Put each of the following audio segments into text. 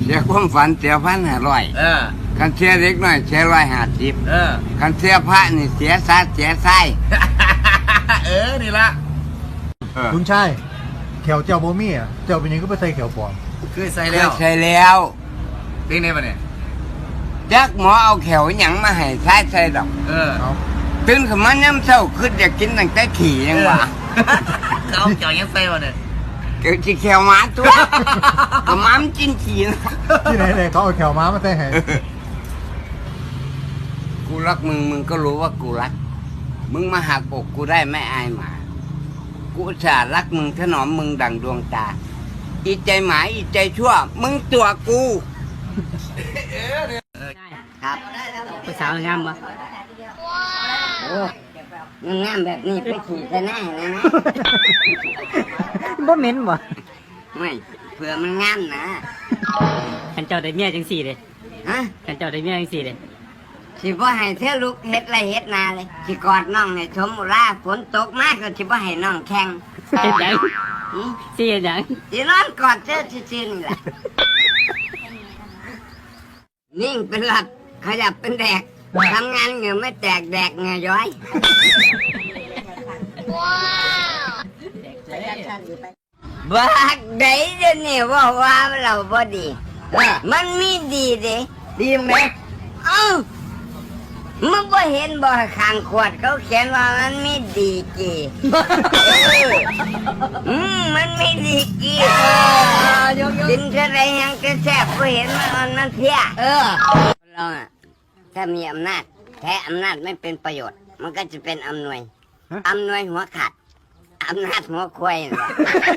เสียความฝันเสีย1,500คันเสียเล็กน้อยเสีย150คันเสียพระนี่เสียซาเสียไส้นี่ละคุณชายแขวเจ้าบ่มีอ่ะเจ้าเป็นยังก็ไปใส่แขวปลอมคือใส่แล้วใช่แล้วเป็นไงปะเนี่ยจักหมอเอาแขวหยังมาให้ใช้ดอกเอาตื่นขึ้นมาย้ำเช้าคืออยากกินตั้งแต่ขี่ยังวะเขาเกี่ยวยังใส่ปะเนี่ยเกิดที่แขวหมาตัวก็หม้ามกินขี่นะที่ไหนเลยเขาเอาแขวม้ามาใส่ให้กูรักมึงมึงก็รู้ว่ากูรักมึงมาหักอกกูได้ไม่อายหมากูอุตส่าห์รักมึงถนอมมึงดั่งดวงตาอีใจหมาอีใจชั่วมึงตัวกูครับผู้สาวงามปะโอ้งามแบบนี้ไปขี่จะหน้าเลยนะบ่เหม็นบ่ไม่เผื่อมันงามนะขันเจ้าได้เมียจังสี่เลยฮะขันเจ้าได้เมียจังสี่เลยสิบ่ให้เธอลุกเฮ็ดไรเฮ็ดนาเลยสิกอดน้องให้ชมอุราฝนตกมากก็สิบ่ให้น้องแข่งเฮ็ดหยังหือสิเฮ็ดหยังสินอนกอดเธอซื่อๆนี่แหละนิ่งเป็นหลับขยับเป็นแดกทำงานเหงื่อไม่แตกแดกเหงื่อย้อยบักได้เดี๋ยวนี้ว่าเราบ่ดีมันมีดีเด้ดีไหมเอ้ามึงบ่เห็นบ่ข้างขวดเขาเขียนว่ามันมีดีกีมันมีดีกีกินเท่าไรยังจะแซ่บบ่เห็นมันเพี้ยเราอะถ้ามีอำนาจแท้อำนาจไม่เป็นประโยชน์มันก็จะเป็นอำนวยหัวขาดอำนาจหัวควายนั่นแหละ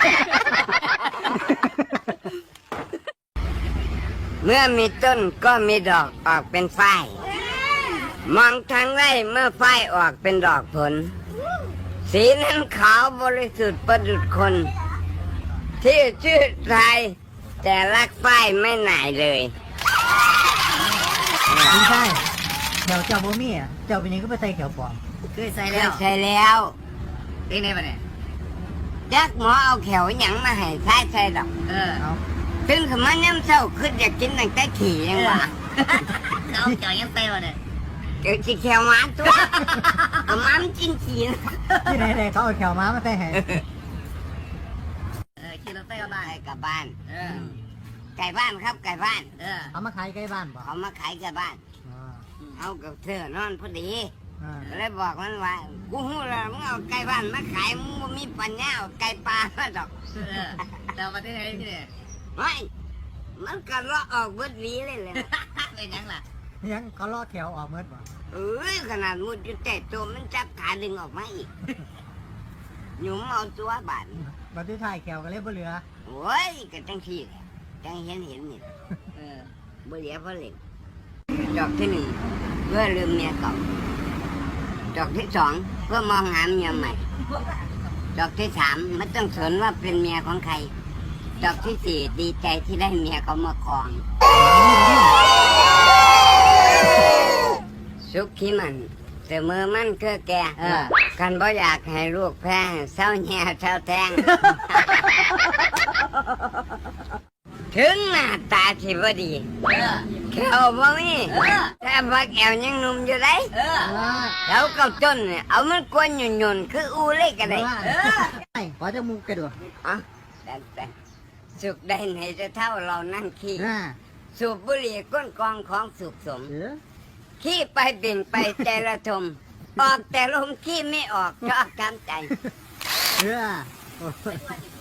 เมื่อมีต้นก็มีดอกออกเป็นฝ้ายมองทางไร่เมื่อฝ้ายออกเป็นดอกผล สีนั้นขาวบริสุทธิ์ประดุจคน ที่ชื่อไทยแต่รักฝ้ายไม่หน่ายเลยคุณชายแขวเจ้าบ่มีอ่ะเจ้าเป็นยังก็ไปใส่แขวปลอมคือใส่แล้วใส่แล้วเป็นไงปะเนี่ยจักหมอเอาแขวหยังมาให้ใส่ดอกเอาตื่นขึ้นมาย้ำเช้าคืออยากกินตั้งแต่ขี่ยังวะเขาเกี่ยวยังใส่ปะเนี่ยเกิดที่แขวหมาตัวก็หมันกินขี่นะที่ไหนเลยเขาเอาแขวม้ามาใส่ให้ขี่รถไฟกลับบ้านกลับบ้านไก่บ้านครับไก่บ้านเอามาขายใกล้บ้านบ่เขามาขายไก่บ้านอ่าเอากับเธอนอนพอดีอ่าเลยบอกมันว่ากูหูแล้วมึงเอาไก่บ้านมาขายมึงบ่มีปัญญาเอาไก่ปลามาดอกแต่วันที่ไหนที่เนี่ยไม่มันก็เลาะออกเบิดหวีเลยเลยเป็นยังล่ะยังเขาลอกแขวออกเมื่อบ่เอ้ยขนาดมุดอยู่แต่ตัวมันจับขาดึงออกมาอีกหนุ่มเอาตัวบาดบัดนี้ถ่ายแขวก็เลยบ่เหลือโอ้ยก็จังที่แหละจังเห็นนี่บ่เหลียเพราะเล่นดอกที่หนึ่งเพื่อลืมเมียเก่าดอกที่สองเพื่อมองหาเมียใหม่ดอกที่สามไม่ต้องสนว่าเป็นเมียของใครดอกที่สี่ดีใจที่ได้เมียเขามาครองสุขที่มันเสมอมันคือแกกันบ่อยากให้ลูกแพ้เศร้าแย่เศร้าแทง ถึงหน้าตาสิบ่ดีแขวบ่มีแต่ว่าแขวยังหนุ่มอยู่ได้แล้วเก้าต้นเนี่ยเอามันกวนหยุ่นๆคืออูเล็กก็ได้ขอจะมูกกระโดดอ่ะแต่สุขได้ไหนจะเท่าเรานั่งขี้สูบบุหรี่ก้นกองของสุขสมขี้ไปเบ่งไปใจระทมออกแต่ลมขี้ไม่ออกชอบทำใจเออ